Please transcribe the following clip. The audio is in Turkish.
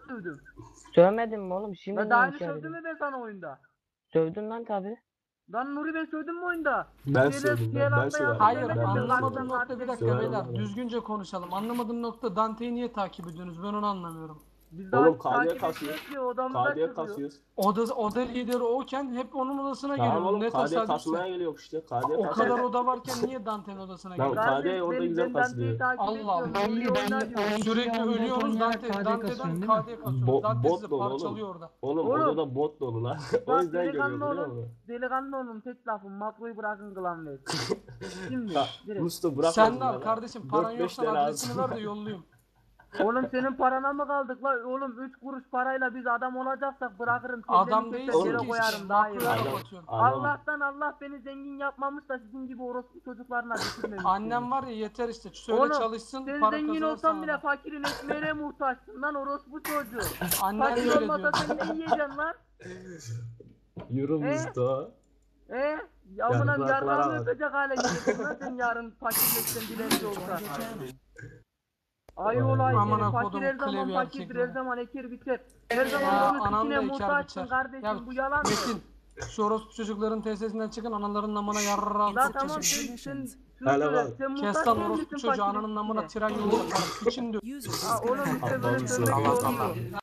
sövdüm? Sövmedin mi oğlum? Şimdi Ben daha niye yeni inkar sövdüm ediyorsun? mü ben sana oyunda? Sövdün lan tabi. Lan Nuri ben sövdüm mü oyunda? Ben Şeyler- sövdüm, şeyler ben atla söverim. yardım Hayır, demedim Ben mi? de anlamadığım söverim. nokta bir dakika Söverim beyler. abi. Düzgünce konuşalım. Anlamadığım nokta Dante'yi niye takip ediyorsunuz? Ben onu anlamıyorum. Biz Oğlum daha KD'ye takip kasıyoruz. etmiyoruz ki odamıza KD'ye çıkıyor. kasıyoruz. Oda lideri oken hep onun odasına Tamam geliyorum. oğlum Ne KD'ye tesadüfse. kasmaya geliyor işte. KD'ye O kasıyoruz. kadar oda varken niye Dante'nin odasına Lan geliyor? KD orada güzel Dante'yi kasılıyor. takip Allah etmiyorum. Allah. Nuri oynar diyor. Sürekli ölüyorsunuz Dante'den KD'ye kasıyorsunuz. Dante Bot sizi dolu parçalıyor oğlum. orada. Oğlum Oğlum. odada bot dolu lan. O Bak yüzden görüyor delikanlı biliyor olun. musun? Delikanlı olun tek lafım. Makroyu bırakın kılan ver. Şimdi Ya direkt. Mustafa bırak. Sen de al kardeşim. Paran 4-5 yoksa tane adresini alsın. ver de yollayayım. Oğlum senin parana mı kaldık la? Oğlum 3 kuruş parayla biz adam olacaksak bırakırım. Adam kelleni değilsin keser, yere ki. koyarım daha iyi. Makroya Adam- kapatıyorsun. Allah'tan Allah beni zengin yapmamış da sizin gibi orospu çocuklarına düşürmemiş. Annem var ya yeter işte. Söyle Oğlum, çalışsın. sen Para zengin kazanır olsan sana bile da. fakirin ekmeğine muhtaçsın lan orospu çocuğu. Annen Fakir de öyle olmasa diyor. sen ne yiyeceksin lan? Yürü Mustafa. Amına Yarraklara yarrağını bak. öpecek hale geleceksin lan sen yarın fakirleşsen dilenci olsan. Ay olay Amına seni fakir kodum her zaman klevi fakirdir erkekler. her zaman eker biter. Her Ya, zaman onun anam sikine da eker muhtaçsın biçer. kardeşim Ya, bu yalan mı? Metin, şu orospu çocukların tesisinden çıkın analarının namına yarrağı Lan sokacağım. tamam sen Hele bak. sen Kes muhtaç lan değil orospu misin çocuğu fakirin ananın namına sikine? tren yolu yaparım. Piçin diyor. Ha oğlum işte böyle Allah'ım söylemek Allah olmuyor.